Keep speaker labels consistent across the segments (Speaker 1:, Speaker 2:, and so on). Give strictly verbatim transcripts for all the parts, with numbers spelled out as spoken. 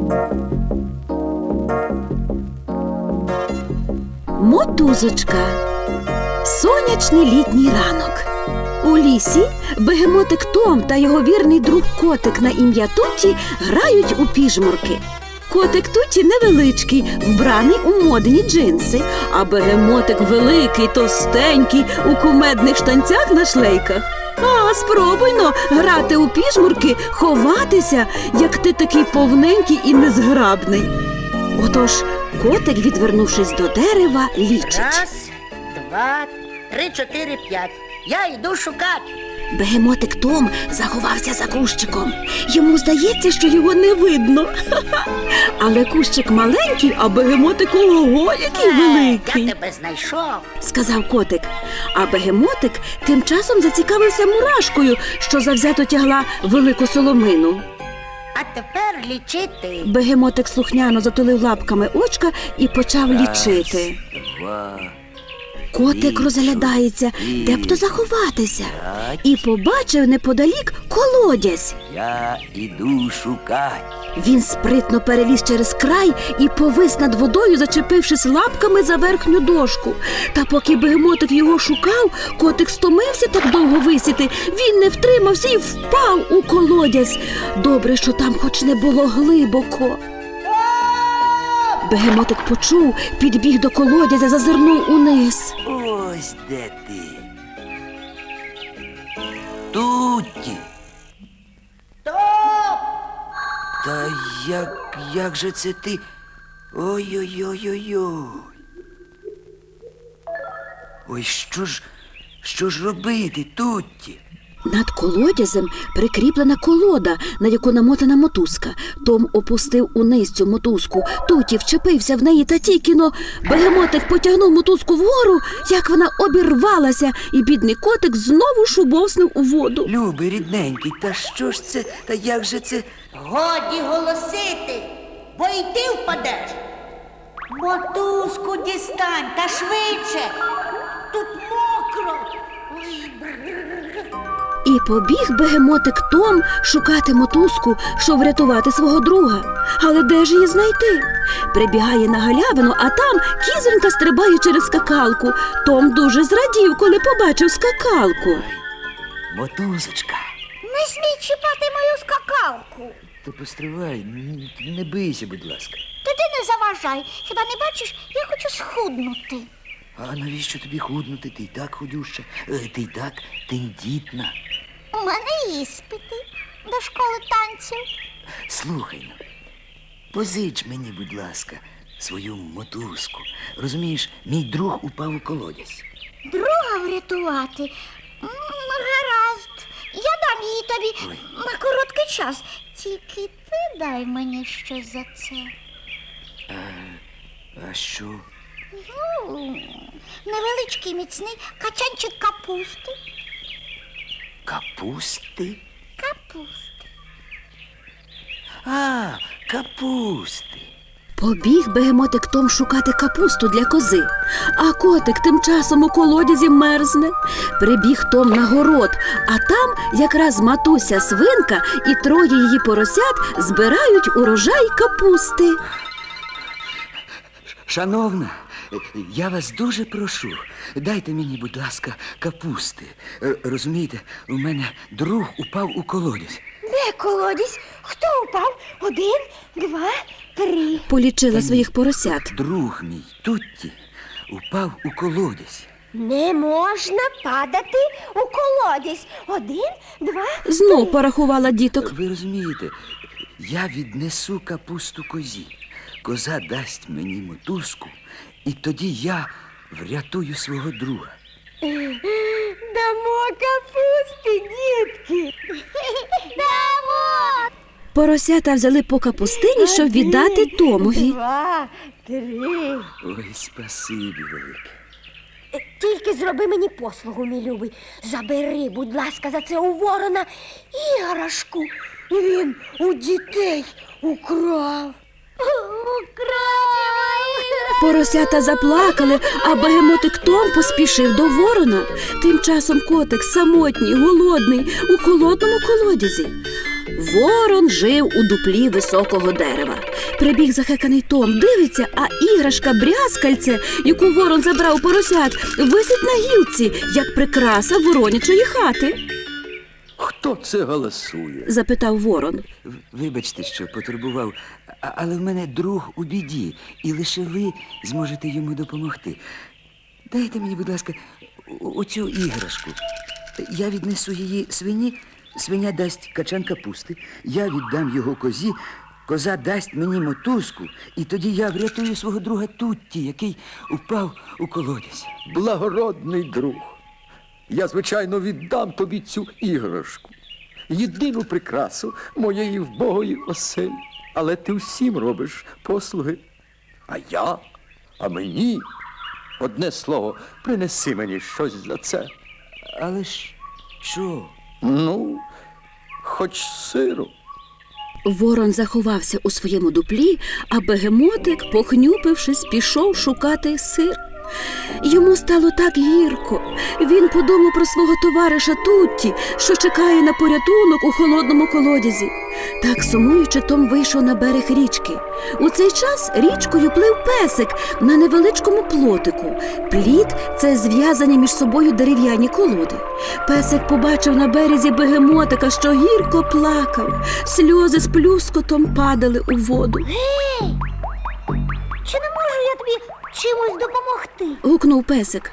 Speaker 1: Мотузочка. Сонячний літній ранок. У лісі бегемотик Том та його вірний друг котик на ім'я Тутті грають у піжмурки. Котик Тутті невеличкий, вбраний у модні джинси, а бегемотик великий, товстенький, у кумедних штанцях на шлейках. А, спробуйно грати у піжмурки, ховатися, як ти такий повненький і незграбний. Отож, котик, відвернувшись до дерева, лічить.
Speaker 2: Раз, два, три, чотири, п'ять. Я йду шукати.
Speaker 1: Бегемотик Том заховався за кущиком. Йому здається, що його не видно. Але кущик маленький, а бегемотик ого, який великий.
Speaker 2: Я тебе знайшов.
Speaker 1: Сказав котик. А бегемотик тим часом зацікавився мурашкою, що завзято тягла велику соломину.
Speaker 2: А тепер лічити.
Speaker 1: Бегемотик слухняно затулив лапками очка і почав лічити.
Speaker 3: Два.
Speaker 1: Котик розглядається, де б то заховатися, і побачив неподалік колодязь.
Speaker 3: Я іду шукать.
Speaker 1: Він спритно переліз через край і повис над водою, зачепившись лапками за верхню дошку. Та поки бегемотик його шукав, котик стомився так довго висіти. Він не втримався і впав у колодязь. Добре, що там хоч не було глибоко. Бегемотик почув, підбіг до колодязя, зазирнув униз.
Speaker 3: Ось де ти. Тутті.
Speaker 2: Топ!
Speaker 3: Та як, як же це ти? Ой-ой-ой-ой-ой. Ой, що ж, що ж робити, Тутті?
Speaker 1: Над колодязем прикріплена колода, на яку намотана мотузка. Том опустив униз цю мотузку. Тутті вчепився в неї та тільки-но бегемотик потягнув мотузку вгору, як вона обірвалася, і бідний котик знову шубовснув у воду.
Speaker 3: Любий, рідненький, та що ж це, та як же це?
Speaker 2: Годі голосити, бо й ти впадеш. Мотузку дістань та швидше. Тут мокро. Ой, бррр.
Speaker 1: І побіг бегемотик Том шукати мотузку, щоб врятувати свого друга. Але де ж її знайти? Прибігає на галявину, а там кізонька стрибає через скакалку. Том дуже зрадів, коли побачив скакалку.
Speaker 3: Ой, мотузочка.
Speaker 2: Не смій чіпати мою скакалку.
Speaker 3: Та постривай, н- не бийся, будь ласка.
Speaker 2: Та ти не заважай. Хіба не бачиш, я хочу схуднути.
Speaker 3: А навіщо тобі худнути? Ти й так худюща, е, ти й так тендітна.
Speaker 2: У мене іспити до школи танців.
Speaker 3: Слухай ну, позич мені, будь ласка, свою мотузку. Розумієш, мій друг упав у колодязь.
Speaker 2: Друга врятувати? М, Гаразд. Я дам її тобі
Speaker 3: Ой.
Speaker 2: на короткий час. Тільки ти дай мені щось за це.
Speaker 3: А що?
Speaker 2: Ну, невеличкий міцний качанчик капусти.
Speaker 3: Капусти?
Speaker 2: Капусти.
Speaker 3: А, капусти.
Speaker 1: Побіг бегемотик Том шукати капусту для кози. А котик тим часом у колодязі мерзне. Прибіг Том на город, а там якраз матуся свинка і троє її поросят збирають урожай капусти.
Speaker 3: Шановна, я вас дуже прошу, дайте мені, будь ласка, капусти. Е, Розумієте, у мене друг упав у колодязь.
Speaker 2: Де колодязь? Хто упав? Один, два, три.
Speaker 1: Полічила своїх поросят.
Speaker 3: Друг мій, Тутті, упав у колодязь.
Speaker 2: Не можна падати у колодязь. Один, два.
Speaker 1: Знов порахувала діток.
Speaker 3: Ви розумієте, я віднесу капусту козі. Коза дасть мені мотузку, і тоді я врятую свого друга.
Speaker 2: Дамо капусти, дітки. Дамо.
Speaker 1: Поросята взяли по капустині, щоб віддати Томові.
Speaker 2: Два, три.
Speaker 3: Ой, спасибі велике.
Speaker 2: Тільки зроби мені послугу, мій любий. Забери, будь ласка, за це у ворона іграшку. Він у дітей украв. Украв!
Speaker 1: Поросята заплакали, а бегемотик Том поспішив до ворона. Тим часом котик самотній, голодний, у холодному колодязі. Ворон жив у дуплі високого дерева. Прибіг захеканий Том, дивиться, а іграшка брязкальце, яку ворон забрав у поросят, висить на гілці, як прикраса воронячої хати.
Speaker 4: Хто це голосує?
Speaker 1: Запитав ворон.
Speaker 3: В- Вибачте, що потурбував, а- але в мене друг у біді, і лише ви зможете йому допомогти. Дайте мені, будь ласка, о- оцю іграшку. Я віднесу її свині, свиня дасть качан капусти, я віддам його козі, коза дасть мені мотузку, і тоді я врятую свого друга Тутті, який упав у колодязь.
Speaker 4: Благородний друг. Я, звичайно, віддам тобі цю іграшку. Єдину прикрасу моєї вбогої оселі. Але ти всім робиш послуги. А я, а мені. Одне слово, принеси мені щось за це.
Speaker 3: Але ж що?
Speaker 4: Ну, хоч сиру.
Speaker 1: Ворон заховався у своєму дуплі, а бегемотик, похнюпившись, пішов шукати сир. Йому стало так гірко. Він подумав про свого товариша Тутті, що чекає на порятунок у холодному колодязі. Так сумуючи, Том вийшов на берег річки. У цей час річкою плив песик на невеличкому плотику. Пліт – це зв'язані між собою дерев'яні колоди. Песик побачив на березі бегемотика, що гірко плакав. Сльози з плюскотом падали у воду.
Speaker 2: Гей! Чи не можу я тобі чимось допомогти?
Speaker 1: Гукнув песик.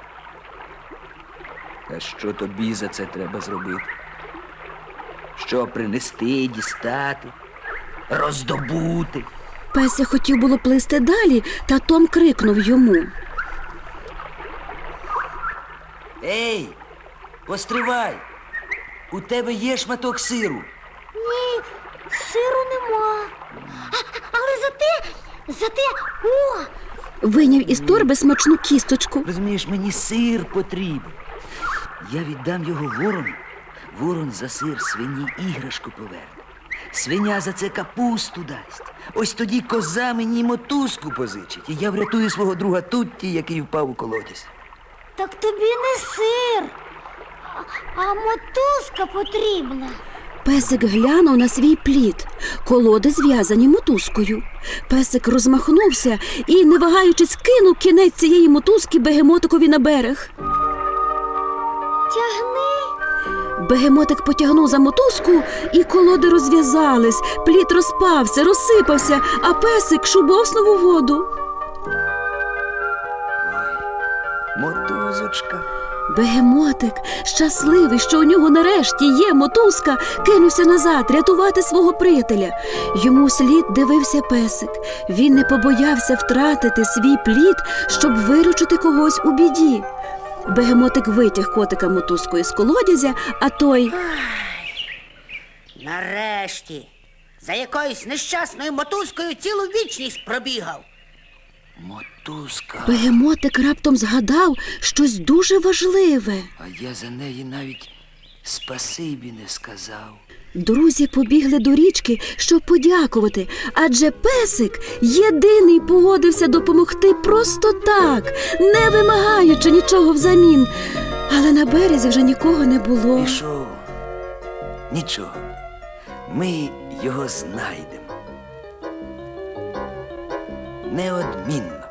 Speaker 3: А що тобі за це треба зробити? Що принести, дістати, роздобути?
Speaker 1: Песик хотів було плисти далі, та Том крикнув йому.
Speaker 3: Ей, постривай! У тебе є шматок сиру.
Speaker 2: Ні, сиру нема. А, але зате, зате, о!
Speaker 1: Вийняв із торби смачну кісточку.
Speaker 3: Розумієш, мені сир потрібен. Я віддам його ворону. Ворон за сир свині іграшку поверне. Свиня за це капусту дасть. Ось тоді коза мені мотузку позичить. І я врятую свого друга Тутті, який впав у колодязь.
Speaker 2: Так тобі не сир, а, а мотузка потрібна.
Speaker 1: Песик глянув на свій плід. Колоди зв'язані мотузкою. Песик розмахнувся і, не вагаючись, кинув кінець цієї мотузки бегемотикові на берег.
Speaker 2: Тягни.
Speaker 1: Бегемотик потягнув за мотузку, і колоди розв'язались. Плід розпався, розсипався, а песик шубовснув у воду.
Speaker 3: Мотузочка.
Speaker 1: Бегемотик, щасливий, що у нього нарешті є мотузка, кинувся назад рятувати свого приятеля. Йому слід дивився песик. Він не побоявся втратити свій плід, щоб виручити когось у біді. Бегемотик витяг котика мотузкою з колодязя, а той...
Speaker 5: Нарешті, за якоюсь нещасною мотузкою цілу вічність пробігав.
Speaker 3: Мотузка.
Speaker 1: Бегемотик раптом згадав щось дуже важливе.
Speaker 3: А я за неї навіть спасибі не сказав.
Speaker 1: Друзі побігли до річки, щоб подякувати, адже песик єдиний погодився допомогти просто так, не вимагаючи нічого взамін. Але на березі вже нікого не було.
Speaker 3: Пішов. Нічого. Ми його знайдемо. Неодмінно.